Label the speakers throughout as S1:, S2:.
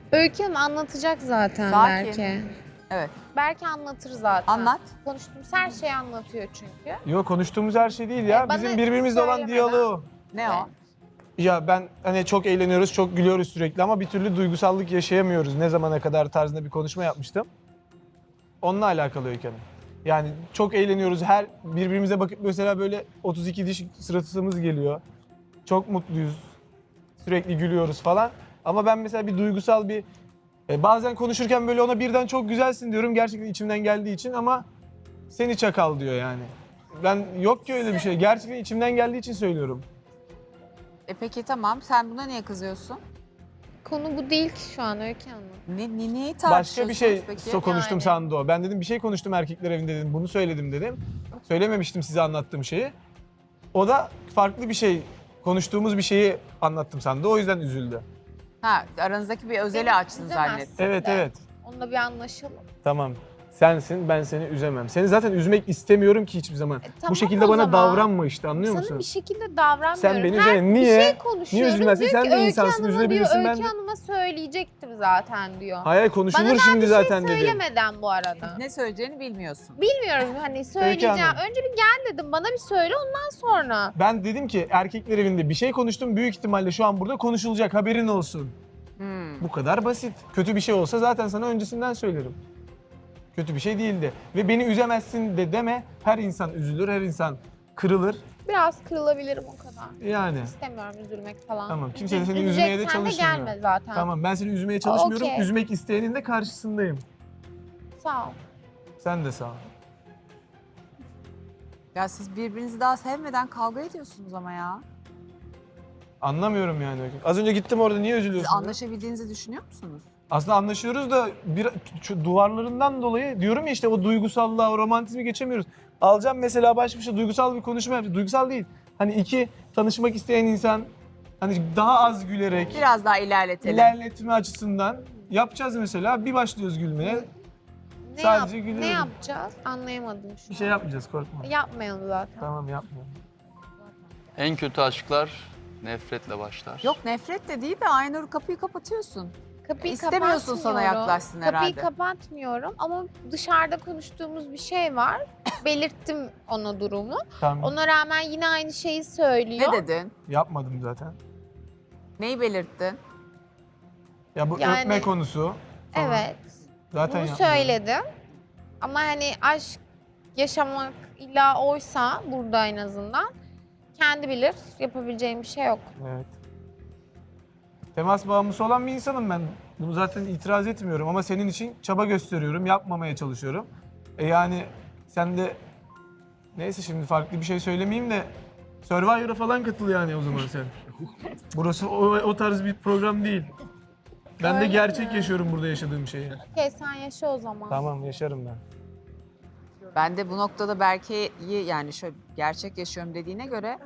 S1: Öykü Hanım anlatacak zaten
S2: Sakin.
S1: belki.
S2: Evet.
S1: Belki anlatır zaten.
S2: Anlat.
S1: Konuştuğumuz her şeyi anlatıyor çünkü.
S3: Yok, konuştuğumuz her şey değil ya.
S1: Bana
S3: Bizim birbirimizle olan
S1: söylemeden.
S3: diyaloğu.
S2: Ne o?
S3: Ya ben hani çok eğleniyoruz, çok gülüyoruz sürekli ama bir türlü duygusallık yaşayamıyoruz. Ne zamana kadar tarzında bir konuşma yapmıştım. Onunla alakalı Öykü Hanım. Yani çok eğleniyoruz. Her birbirimize bakıp mesela böyle 32 diş sırasımız geliyor. Çok mutluyuz. Sürekli gülüyoruz falan. Ama ben mesela bir duygusal bir bazen konuşurken böyle ona birden çok güzelsin diyorum. Gerçekten içimden geldiği için ama seni çakal diyor yani. Ben yok ki öyle bir şey. Gerçekten içimden geldiği için söylüyorum.
S2: Peki tamam. Sen buna niye kızıyorsun?
S1: Konu bu değil ki şu an Öykü Hanım.
S2: Neyi tartışıyorsunuz
S3: Başka bir şey
S2: peki?
S3: konuştum
S1: Yani.
S3: sandı o. Ben dedim bir şey konuştum erkekler evinde dedim. Bunu söyledim dedim. Söylememiştim size anlattığım şeyi. O da farklı bir şey, konuştuğumuz bir şeyi anlattım sandı. O yüzden üzüldü.
S2: Ha, aranızdaki bir özeli
S1: Beni
S2: açtın
S1: üzemezsin
S2: zannettim.
S3: Evet
S1: de.
S3: evet.
S1: Onunla bir anlaşalım.
S3: Tamam. Sensin, ben seni üzemem. Seni zaten üzmek istemiyorum ki hiçbir zaman.
S1: Tamam
S3: Bu şekilde
S1: o
S3: bana
S1: zaman.
S3: davranma işte, anlıyor
S1: Sana
S3: musun?
S1: bir şekilde davranmıyorum.
S3: Sen beni
S1: Her
S3: üzme.
S1: bir
S3: Niye?
S1: şey konuşuyoruz.
S3: Niye üzülmezsin?
S1: Diyor
S3: Sen
S1: ki,
S3: de
S1: Öykü
S3: insansın,
S1: Hanım'a
S3: üzülebilirsin.
S1: diyor,
S3: Ben
S1: Öykü
S3: de...
S1: Hanım'a söyleyecektim zaten diyor.
S3: Hayır, konuşulur
S1: Bana
S3: şimdi zaten
S1: şey
S3: dedim.
S1: söylemeden bu arada.
S2: Ne söyleyeceğini bilmiyorsun.
S1: Bilmiyorum hani söyleyeceğim.
S3: Hanım.
S1: Önce bir gel dedim bana bir söyle ondan sonra.
S3: Ben dedim ki erkekler evinde bir şey konuştum. Büyük ihtimalle şu an burada konuşulacak, haberin olsun. Bu kadar basit. Kötü bir şey olsa zaten sana öncesinden söylerim. Kötü bir şey değildi. Ve beni üzemezsin de deme. Her insan üzülür, her insan kırılır.
S1: Biraz kırılabilirim o kadar.
S3: Yani.
S1: İstemiyorum üzülmek falan.
S3: Tamam, kimse de seni üzmeye de
S1: Üzeceksen
S3: çalışmıyor.
S1: gelme zaten.
S3: Tamam, ben seni üzmeye çalışmıyorum.
S1: Okey.
S3: Üzmek isteyenin de karşısındayım.
S1: Sağ ol.
S3: Sen de sağ ol.
S2: Ya siz birbirinizi daha sevmeden kavga ediyorsunuz ama ya.
S3: Anlamıyorum yani. Az önce gittim orada, niye
S2: Siz
S3: üzülüyorsun?
S2: anlaşabildiğinizi düşünüyor musunuz?
S3: Aslında anlaşıyoruz da şu duvarlarından dolayı diyorum ya işte o duygusallığa, o romantizmi geçemiyoruz. Alacağım mesela baş başa duygusal bir konuşma yapacağız. Duygusal değil. Hani iki tanışmak isteyen insan hani daha az gülerek
S2: Biraz daha ilerletelim.
S3: ilerletme açısından yapacağız mesela. Bir başlıyoruz gülmeye. Sadece gülüyorum.
S1: Ne yapacağız? Anlayamadım şu
S3: Bir şey yapmayacağız, korkma.
S1: Yapmayalım zaten.
S3: Tamam, yapmayalım.
S4: En kötü aşklar nefretle başlar.
S2: Yok nefret de değil de Aynur kapıyı kapatıyorsun.
S1: Kapıyı
S2: İstemiyorsun sana
S1: kapatmıyorum.
S2: yaklaşsın herhalde.
S1: Kapıyı kapatmıyorum ama dışarıda konuştuğumuz bir şey var. Belirttim ona durumu.
S3: Tamam.
S1: Ona rağmen yine aynı şeyi söylüyor.
S2: Ne dedin?
S3: Yapmadım zaten.
S2: Neyi belirttin?
S3: Ya bu
S1: Yani-
S3: öpme konusu falan.
S1: Evet.
S3: Zaten
S1: Bunu
S3: yapmadım.
S1: söyledim. Ama hani aşk yaşamak illa oysa burada en azından kendi bilir. Yapabileceğim bir şey yok.
S3: Evet. Temas bağımlısı olan bir insanım ben. Bunu zaten itiraz etmiyorum ama senin için çaba gösteriyorum, yapmamaya çalışıyorum. Yani sen de neyse şimdi farklı bir şey söylemeyeyim de Survivor'a falan katıl yani o zaman sen. Burası o tarz bir program değil. Ben de
S1: Öyle
S3: gerçek
S1: mi?
S3: yaşıyorum burada yaşadığım şeyi.
S1: Okey sen yaşa o zaman.
S3: Tamam, yaşarım ben.
S2: Ben de bu noktada Berke'yi yani şöyle gerçek yaşıyorum dediğine göre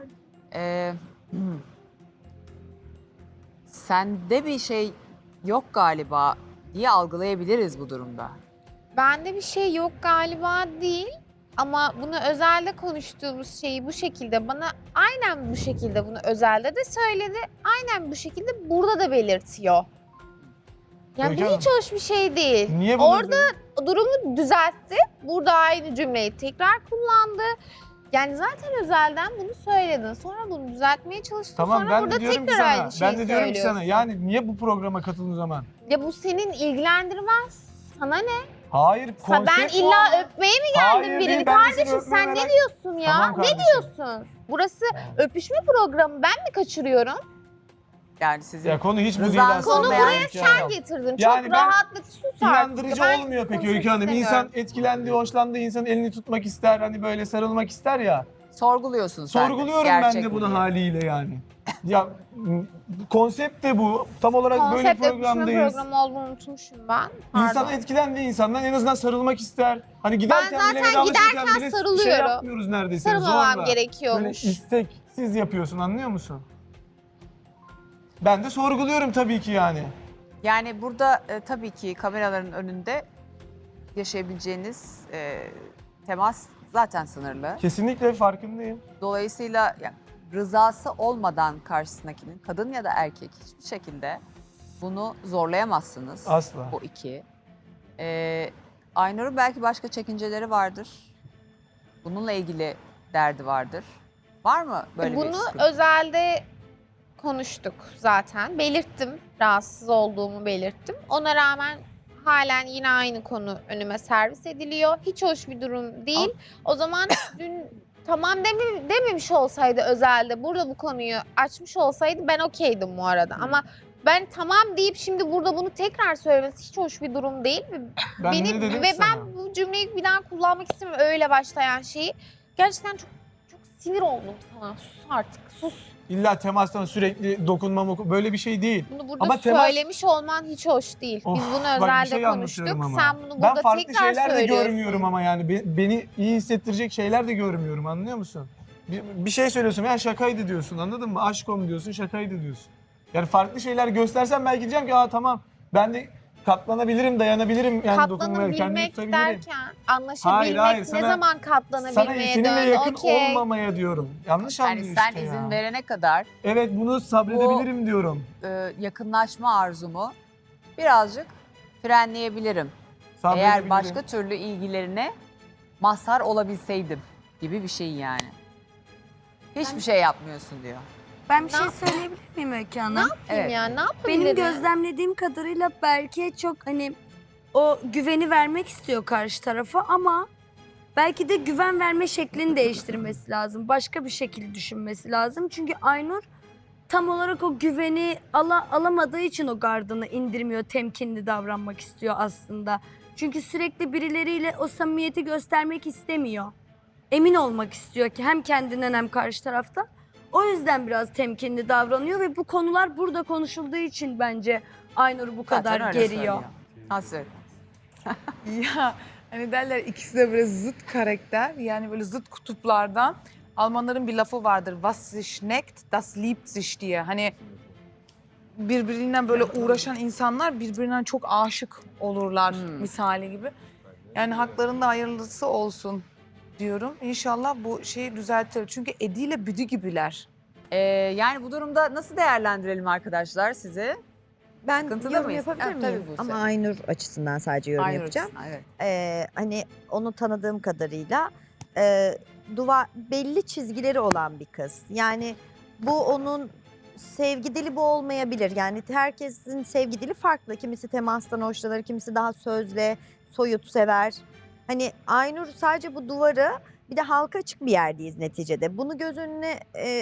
S2: sende bir şey yok galiba diye algılayabiliriz bu durumda.
S1: Bende bir şey yok galiba değil. Ama bunu özelde konuştuğumuz şeyi bu şekilde bana aynen bu şekilde bunu özelde de söyledi. Aynen bu şekilde burada da belirtiyor. Yani
S3: Öykü
S1: bu
S3: Hanım,
S1: hiç hoş bir şey değil.
S3: Niye bunu
S1: Orada durumu düzeltti. Burada aynı cümleyi tekrar kullandı. Yani zaten özelden bunu söyledin. Sonra bunu düzeltmeye çalıştın.
S3: Tamam,
S1: Sonra
S3: ben
S1: burada
S3: de diyorum ki
S1: tekrar
S3: sana,
S1: aynı şeyi
S3: ben de diyorum ki sana
S1: söylüyorsun.
S3: yani niye bu programa katıldın o zaman?
S1: Ya bu senin ilgilendirmez. Sana ne?
S3: Hayır, konsept
S1: Ben
S3: bu
S1: illa
S3: ama.
S1: öpmeye mi geldin
S3: Hayır,
S1: birini?
S3: değil, ben de seni
S1: Kardeşim
S3: öpmeye
S1: sen ne
S3: merak-
S1: diyorsun ya?
S3: Tamam
S1: Ne
S3: kardeşim.
S1: diyorsun? Burası öpüşme programı. Ben mi kaçırıyorum?
S2: Yani sizin
S3: Ya konu hiç bu
S2: Rızan
S3: değil aslında.
S2: Konu buraya
S3: Öykü
S1: Sen
S3: Hanım.
S1: getirdin.
S3: Yani
S1: Çok
S3: ben
S1: rahatlık sus artık.
S3: İnandırıcı
S1: Ben
S3: olmuyor peki
S1: konuşmak
S3: Öykü Hanım. İnsan
S1: istemiyorum.
S3: etkilendi, hoşlandı, insan elini tutmak ister, hani böyle sarılmak ister ya.
S2: sorguluyorsun sen de.
S3: Sorguluyorum ben
S2: Gerçek
S3: de
S2: mi
S3: bunu
S2: diye.
S3: haliyle yani. Ya konsept de bu. Tam olarak böyle
S1: Konsept öpüşme
S3: programdayız.
S1: programı olduğunu unutmuşum ben.
S3: İnsan
S1: Pardon.
S3: etkilendi insandan en azından sarılmak ister. Hani giderken
S1: zaten
S3: bile vedalaşırken
S1: giderken
S3: bile şey
S1: sarılıyorum.
S3: yapmıyoruz neredeyse
S1: Sarılmamam
S3: zorla.
S1: gerekiyormuş.
S3: Böyle isteksiz yapıyorsun, anlıyor musun? Ben de sorguluyorum tabii ki yani.
S2: Yani burada tabii ki kameraların önünde yaşayabileceğiniz temas zaten sınırlı.
S3: Kesinlikle farkındayım.
S2: Dolayısıyla yani rızası olmadan karşısındakinin kadın ya da erkek hiçbir şekilde Bunu zorlayamazsınız.
S3: Asla.
S2: Bu iki. Aynur'un belki başka çekinceleri vardır. Bununla ilgili derdi vardır. Var mı böyle bir
S1: Bunu
S2: sıkıntı?
S1: özelde konuştuk zaten. Belirttim. Rahatsız olduğumu belirttim. Ona rağmen halen yine aynı konu önüme servis ediliyor. Hiç hoş bir durum değil. O zaman dün tamam dememiş olsaydı özelde burada bu konuyu açmış olsaydı ben okeydim bu arada. Ama ben tamam deyip şimdi burada bunu tekrar söylemesi hiç hoş bir durum değil.
S3: Ben ne dedim
S1: Ve
S3: ki sana?
S1: ben bu cümleyi bir daha kullanmak istemiyorum öyle başlayan şeyi. Gerçekten çok sinir oldum sana. Sus artık, sus.
S3: İlla temastan sürekli dokunmam böyle bir şey değil.
S1: Bunu burada
S3: Ama temas-
S1: söylemiş olman hiç hoş değil.
S3: Of,
S1: Biz bunu
S3: bak bir
S1: özelde
S3: şey
S1: konuştuk.
S3: anlatıyorum ama.
S1: Sen bunu
S3: Ben
S1: burada
S3: farklı
S1: tekrar
S3: şeyler de
S1: söylüyorsun.
S3: görmüyorum ama yani beni iyi hissettirecek şeyler de görmüyorum, anlıyor musun? Bir şey söylüyorsun ya şakaydı diyorsun, anladın mı? Aşkom diyorsun, şakaydı diyorsun. Yani farklı şeyler göstersen belki diyeceğim ki tamam ben de katlanabilirim, dayanabilirim yani dokunmaya, kendimi
S1: Katlanabilmek
S3: tutabilirim.
S1: derken anlaşabilmek
S3: Hayır,
S1: ne
S3: sana-
S1: zaman
S3: Sana
S1: katlanabilmeye
S3: seninle
S1: döndü?
S3: yakın
S1: Okey.
S3: olmamaya diyorum. Yanlış
S2: Yani
S3: anlıyor
S2: sen
S3: işte
S2: izin
S3: ya.
S2: verene kadar
S3: Evet bunu sabredebilirim diyorum.
S2: yakınlaşma arzumu birazcık frenleyebilirim.
S3: Sabredebilirim.
S2: Eğer başka türlü ilgilerine mazhar olabilseydim gibi bir şey yani. Hiçbir şey yapmıyorsun diyor.
S5: Ben bir
S1: Ne
S5: şey
S1: yap-
S5: söyleyebilir miyim Öykü Hanım?
S1: Ne yapayım
S2: Evet.
S1: ya? Ne yapabilirim?
S5: Benim gözlemlediğim kadarıyla Berke çok hani o güveni vermek istiyor karşı tarafa ama belki de güven verme şeklini değiştirmesi lazım. Başka bir şekilde düşünmesi lazım. Çünkü Aynur tam olarak o güveni alamadığı için o gardını indirmiyor, temkinli davranmak istiyor aslında. Çünkü sürekli birileriyle o samimiyeti göstermek istemiyor. Emin olmak istiyor ki hem kendinden hem karşı tarafta. O yüzden biraz temkinli davranıyor ve bu konular burada konuşulduğu için bence Aynur'u bu
S2: Zaten
S5: kadar
S2: öyle
S5: geriyor.
S2: söylüyor. Nasıl?
S6: Ya hani derler ikisi de böyle zıt karakter yani böyle zıt kutuplardan. Almanların bir lafı vardır. Was sich neckt, das liebt sich diye. Hani birbirinden böyle uğraşan insanlar birbirinden çok aşık olurlar misali gibi. Yani haklarında hayırlısı olsun diyorum. İnşallah bu şeyi düzeltir. Çünkü Edi ile Büdü gibiler.
S2: Yani bu durumda nasıl değerlendirelim arkadaşlar sizi?
S7: Ben
S2: Sıkıntılı
S7: yorum
S2: mıyız?
S7: yapabilir
S2: Evet, tabii
S7: miyim?
S2: Buse.
S7: Ama Aynur açısından sadece yorum
S2: Aynur
S7: yapacağım.
S2: açısından, evet.
S7: Hani onu tanıdığım kadarıyla belli çizgileri olan bir kız. Yani bu onun sevgi dili bu olmayabilir. Yani herkesin sevgi dili farklı. Kimisi temastan hoşlanır, kimisi daha sözle, soyut sever. Hani Aynur sadece bu duvarı bir de halka açık bir yerdeyiz neticede. Bunu göz önüne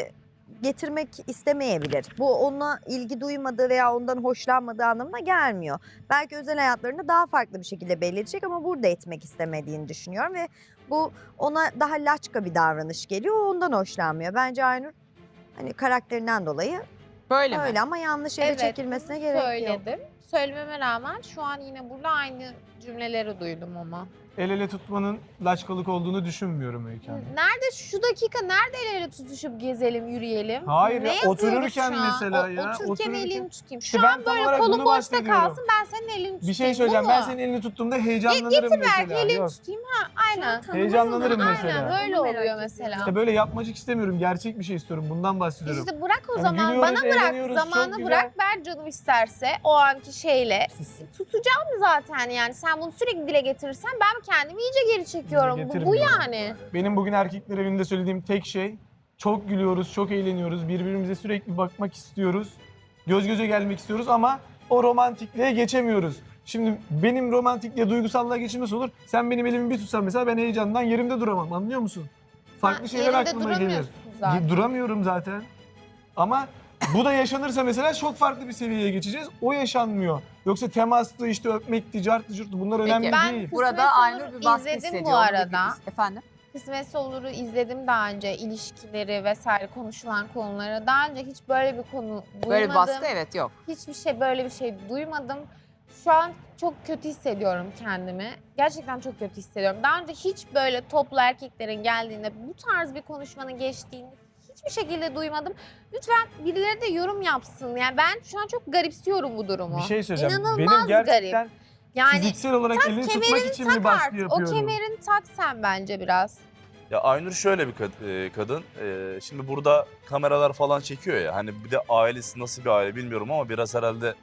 S7: getirmek istemeyebilir. Bu ona ilgi duymadığı veya ondan hoşlanmadığı anlamına gelmiyor. Belki özel hayatlarında daha farklı bir şekilde belli edecek ama burada etmek istemediğini düşünüyorum ve bu ona daha laçka bir davranış geliyor. O ondan hoşlanmıyor. Bence Aynur hani karakterinden dolayı
S2: Böyle mi?
S7: öyle ama yanlış yere çekilmesine
S1: bunu
S7: gerek yok.
S1: söyledim. Söylememe rağmen şu an yine burada aynı cümleleri duydum ama.
S3: El ele tutmanın laçkalık olduğunu düşünmüyorum Öykü Hanım.
S1: Nerede şu dakika nerede el ele tutuşup gezelim, yürüyelim?
S3: Hayır
S1: Ne
S3: ya,
S1: yapıyoruz
S3: otururken
S1: şu an?
S3: mesela ya,
S1: Otururken
S3: otururken-
S1: elini tutayım.
S3: İşte
S1: Şu
S3: ben
S1: an
S3: tam
S1: böyle
S3: olarak
S1: kolum
S3: bunu
S1: boşta
S3: bahsediyorum.
S1: kalsın ben senin elini tutayım.
S3: Bir şey
S1: Bu
S3: söyleyeceğim.
S1: mu?
S3: Ben senin elini tuttuğumda heyecanlanırım
S1: Getir belki
S3: mesela.
S1: elini
S3: Yok.
S1: tutayım ha aynen.
S3: Heyecanlanırım mesela.
S1: Aynen böyle
S5: Onu merak
S1: oluyor
S5: ediyorum.
S1: mesela.
S3: İşte böyle yapmacık istemiyorum. Gerçek bir şey istiyorum. Bundan bahsediyorum.
S1: İşte bırak o
S3: Yani
S1: zaman
S3: gülüyoruz,
S1: bana bırak
S3: eğleniyoruz, çok
S1: zamanı
S3: güzel.
S1: bırak ver canım isterse o anki şeyle tutacağım zaten yani sen bunu sürekli dile getirirsen ben kendimi iyice geri çekiyorum bu
S3: getirmiyorum.
S1: yani.
S3: Benim bugün erkekler evinde söylediğim tek şey çok gülüyoruz, çok eğleniyoruz. Birbirimize sürekli bakmak istiyoruz. Göz göze gelmek istiyoruz ama o romantikliğe geçemiyoruz. Şimdi benim romantikliğe, duygusallığa geçim nasıl olur? Sen benim elimi bir tutsan mesela ben heyecandan yerimde duramam. Anlıyor musun? Farklı
S1: Sen
S3: şeyler
S1: yerinde
S3: aklıma gelir.
S1: duramıyorsun zaten.
S3: Duramıyorum zaten. Ama bu da yaşanırsa mesela çok farklı bir seviyeye geçeceğiz. O yaşanmıyor. Yoksa temastı, işte öpmekti, carttı, curttu bunlar önemli
S1: ben-
S3: değil.
S2: Burada
S1: Kısmet
S2: Aynur
S1: olur,
S2: bir baskı
S1: izledim bu
S2: hissediyor. onu
S1: arada.
S2: biliriz. Efendim?
S1: Kısmetse olur'u izledim daha önce ilişkileri vesaire konuşulan konuları. Daha önce hiç böyle bir konu duymadım.
S2: Böyle bir baskı evet yok.
S1: Hiçbir şey böyle bir şey duymadım. Şu an çok kötü hissediyorum kendimi. Gerçekten çok kötü hissediyorum. Daha önce hiç böyle toplu erkeklerin geldiğinde bu tarz bir konuşmanın geçtiğini hiçbir şekilde duymadım. Lütfen birileri de yorum yapsın. Yani ben şu an çok garipsiyorum bu durumu.
S3: Bir şey söyleyeceğim.
S1: İnanılmaz
S3: Benim gerçekten
S1: garip. Yani
S3: fiziksel olarak elini tutmak için mi baskı
S1: artık. O
S3: yapıyorum?
S1: kemerini tak sen bence biraz.
S8: Ya Aynur şöyle bir kadın. Şimdi burada kameralar falan çekiyor ya. Hani bir de ailesi nasıl bir aile bilmiyorum ama biraz herhalde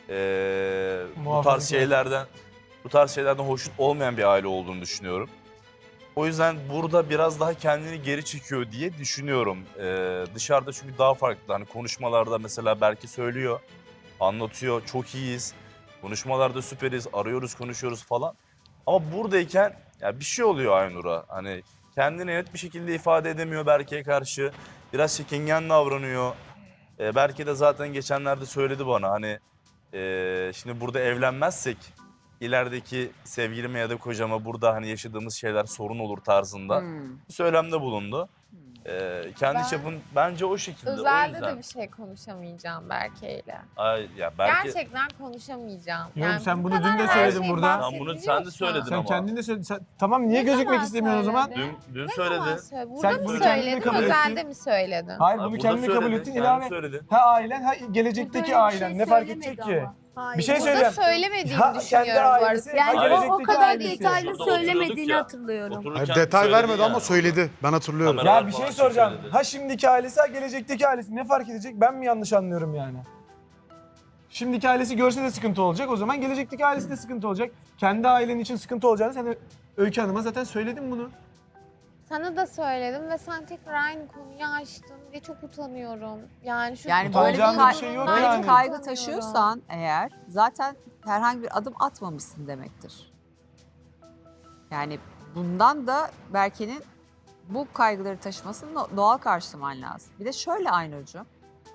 S8: bu
S3: Muhafazakar.
S8: tarz şeylerden hoşnut olmayan bir aile olduğunu düşünüyorum. O yüzden burada biraz daha kendini geri çekiyor diye düşünüyorum. Dışarıda çünkü daha farklı. Hani konuşmalarda mesela Berke söylüyor, anlatıyor, çok iyiyiz. Konuşmalarda süperiz, arıyoruz, konuşuyoruz falan. Ama buradayken ya bir şey oluyor Aynur'a. Hani kendini net bir şekilde ifade edemiyor Berke'ye karşı. Biraz çekingen davranıyor. Berke de zaten geçenlerde söyledi bana hani şimdi burada evlenmezsek ilerideki sevgilime ya da kocama burada hani yaşadığımız şeyler sorun olur tarzında bir söylemde bulundu. Kendi
S1: Ben
S8: çapın bence o şekilde. O
S1: Özelde
S8: yüzden.
S1: de bir şey konuşamayacağım Berke'yle.
S8: Ay, ya Berke,
S1: Gerçekten konuşamayacağım.
S3: Yok, sen
S1: bu
S3: bunu
S1: kadar
S3: dün de
S1: her
S3: söyledin
S1: şeyi
S3: burada.
S8: Sen bunu sen de söyledin
S3: Sen
S8: ama.
S3: kendin de söyledin. Tamam niye
S1: Ne
S3: gözükmek
S1: zaman
S3: istemiyorsun o zaman?
S1: söyledin?
S8: Dün
S1: Ne
S8: söyledi.
S1: zaman söyledin? Burada
S3: Sen
S1: mı
S3: bunu kendin de
S1: söyledin,
S3: kabul
S1: özelde
S3: ettin.
S1: mi söyledin?
S3: Hayır
S8: Ay,
S3: bunu
S8: burada
S3: kendin kabul
S8: söyledi,
S3: ettin.
S8: kendin
S3: İlave
S8: söyledi.
S3: ha ailen ha
S5: Burada
S3: gelecekteki
S5: öyle bir
S3: ailen.
S5: şey
S3: Ne fark
S5: söylemedi
S3: edecek ki?
S5: ama. Hayır.
S3: Bir şey
S1: Burada
S3: söyleyeyim.
S1: söylemediğini
S3: Ha, kendi
S1: düşünüyorum bu arada.
S3: ailesi,
S5: Yani
S3: ha,
S5: o
S3: gelecekteki
S5: kadar
S3: ailesi.
S5: detaylı
S8: Burada oturuyorduk
S5: söylemediğini
S8: ya.
S5: hatırlıyorum.
S8: Otururken
S9: Hayır, detay
S8: söyledi
S9: vermedi ama
S8: yani.
S9: söyledi. Ben hatırlıyorum.
S8: Kamera-
S3: Ya bir şey
S8: falan
S3: soracağım.
S8: söyledi.
S3: Ha şimdiki ailesi ha gelecekteki ailesi ne fark edecek? Ben mi yanlış anlıyorum yani? Şimdiki ailesi görse de sıkıntı olacak. O zaman gelecekteki ailesi de sıkıntı olacak. Kendi ailen için sıkıntı olacağını sen de Öykü Hanım'a zaten söyledin bunu.
S1: Sana da söyledim ve sen tekrar aynı konuyu açtın diye çok utanıyorum. Yani şu
S2: Yani böyle
S3: Utanacağım
S2: bir,
S3: bir şey yok
S2: böyle
S3: yani.
S2: bir kaygı taşıyorsan eğer zaten herhangi bir adım atmamışsın demektir. Yani bundan da Berke'nin bu kaygıları taşımasını doğal karşılaman lazım. Bir de şöyle Aynur'cuğum,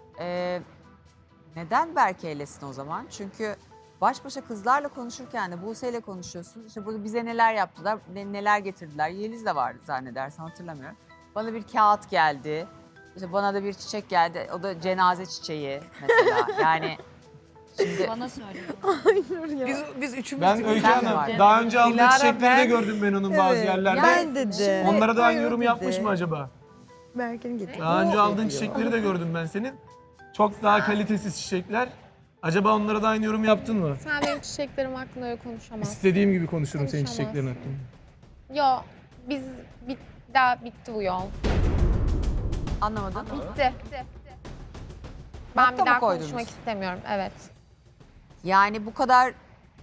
S2: neden Berke eylesin o zaman? Çünkü baş başa kızlarla konuşurken de Buse'yle konuşuyorsun. İşte burada bize neler yaptılar, neler getirdiler. Yeliz de vardı zannedersem hatırlamıyorum. Bana bir kağıt geldi. İşte bana da bir çiçek geldi. O da cenaze çiçeği mesela. Yani şimdi
S6: Biz üçümüz
S3: Ben
S6: diyoruz.
S3: Öykü
S2: Sen de
S3: Hanım
S2: var.
S3: daha önce aldığı
S6: Dilara,
S3: çiçekleri de
S6: ben-
S3: gördüm ben onun bazı yerlerde.
S7: Ben de.
S3: Onlara da aynı
S7: Hayır,
S3: yorum
S7: dedi.
S3: yapmış mı acaba?
S7: Berke'nin getirdiği.
S3: Daha önce aldığın
S7: yapıyor.
S3: çiçekleri de gördüm ben senin. Çok daha kalitesiz çiçekler. Acaba onlara da aynı yorum yaptın mı?
S1: sen benim çiçeklerim hakkında öyle konuşamazsın.
S3: İstediğim gibi konuşurum senin
S1: Konuşamazsın.
S3: çiçeklerin hakkında.
S1: Yo, daha bitti bu yol.
S2: anlamadım.
S1: Bitti. Ben
S2: Nokta
S1: bir
S2: mı
S1: daha
S2: koydunuz?
S1: konuşmak istemiyorum. Evet.
S2: Yani bu kadar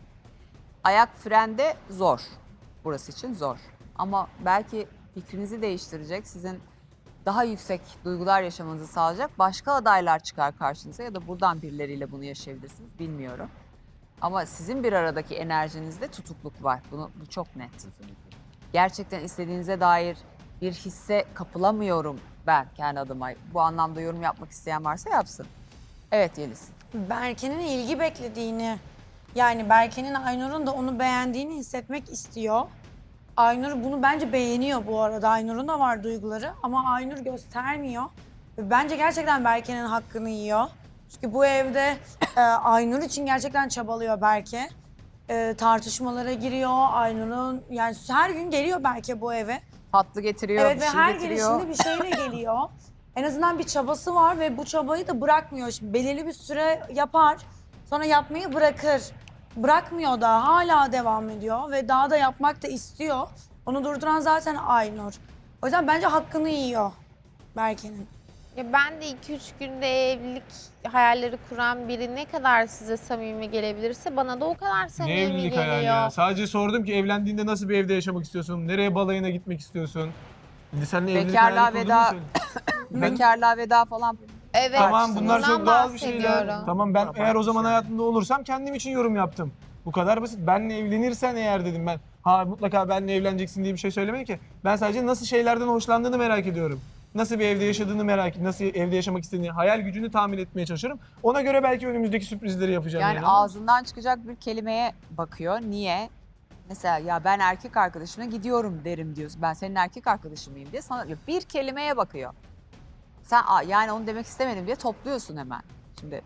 S2: ayak frende zor. Burası için zor. Ama belki fikrinizi değiştirecek, sizin daha yüksek duygular yaşamanızı sağlayacak başka adaylar çıkar karşınıza ya da buradan birileriyle bunu yaşayabilirsiniz bilmiyorum. Ama sizin bir aradaki enerjinizde tutukluk var. Bu çok net. Gerçekten istediğinize dair bir hisse kapılamıyorum ben kendi adıma. Bu anlamda yorum yapmak isteyen varsa yapsın. Evet Yeliz.
S10: Berke'nin ilgi beklediğini, yani Berke'nin Aynur'un da onu beğendiğini hissetmek istiyor. Aynur bunu bence beğeniyor bu arada. Aynur'un da var duyguları ama Aynur göstermiyor. Ve bence gerçekten Berke'nin hakkını yiyor. Çünkü bu evde Aynur için gerçekten çabalıyor Berke. Tartışmalara giriyor. Aynur'un yani her gün geliyor Berke bu eve.
S2: Tatlı getiriyor,
S10: Evet
S2: bir
S10: ve
S2: şey
S10: her
S2: getiriyor.
S10: gelişinde bir şeyle geliyor. En azından bir çabası var ve bu çabayı da bırakmıyor. Şimdi belirli bir süre yapar, sonra yapmayı bırakır. Bırakmıyor da hala devam ediyor ve daha da yapmak da istiyor. Onu durduran zaten Aynur. O yüzden bence hakkını yiyor Berke'nin.
S1: Ya ben de 2-3 günde evlilik hayalleri kuran biri ne kadar size samimi gelebilirse bana da o kadar
S3: Ne
S1: samimi
S3: evlilik
S1: geliyor.
S3: hayali ya? Sadece sordum ki evlendiğinde nasıl bir evde yaşamak istiyorsun? Nereye balayına gitmek istiyorsun? Şimdi seninle evlilik
S2: Bekarlığa
S3: hayali kurduğunu
S2: veda-
S3: söyle. Ben-
S2: Bekarlığa veda falan.
S1: Evet.
S3: Tamam bunlar
S1: bundan
S3: çok doğal bir şeyler.
S1: bahsediyorum.
S3: Tamam ben eğer o zaman hayatında olursam kendim için yorum yaptım. Bu kadar basit. Benle evlenirsen eğer dedim ben. Ha mutlaka benle evleneceksin diye bir şey söylemedim ki. Ben sadece nasıl şeylerden hoşlandığını merak ediyorum. Nasıl bir evde yaşadığını merak ediyorum. Nasıl evde yaşamak istediğini, hayal gücünü tahmin etmeye çalışıyorum. Ona göre belki önümüzdeki sürprizleri yapacağım.
S2: Yani ağzından çıkacak bir kelimeye bakıyor. Niye? Mesela ya ben erkek arkadaşımla gidiyorum derim diyorsun. Ben senin erkek arkadaşın mıyım diye sana bir kelimeye bakıyor. Sen yani onu demek istemedim diye topluyorsun hemen. Şimdi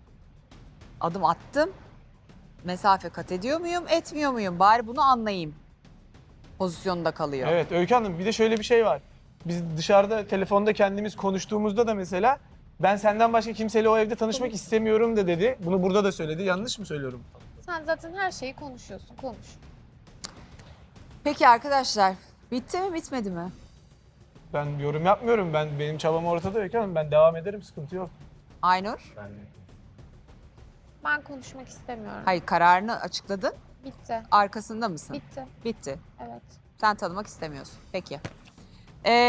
S2: adım attım. Mesafe kat ediyor muyum, etmiyor muyum? Bari bunu anlayayım. Pozisyonda kalıyor.
S3: Evet Öykü Hanım bir de şöyle bir şey var. Biz dışarıda telefonda kendimiz konuştuğumuzda da mesela ben senden başka kimseyle o evde tanışmak istemiyorum da dedi. Bunu burada da söyledi. Yanlış mı söylüyorum?
S1: Sen zaten her şeyi konuşuyorsun. Konuş.
S2: Peki arkadaşlar, bitti mi bitmedi mi?
S3: Ben yorum yapmıyorum. Benim çabam ortada Öykü Hanım. Ben devam ederim. Sıkıntı yok.
S2: Aynur?
S1: Ben konuşmak istemiyorum.
S2: Hayır, kararını açıkladın.
S1: Bitti.
S2: Arkasında mısın?
S1: Bitti.
S2: Bitti.
S1: Evet.
S2: Sen tanımak istemiyorsun. Peki.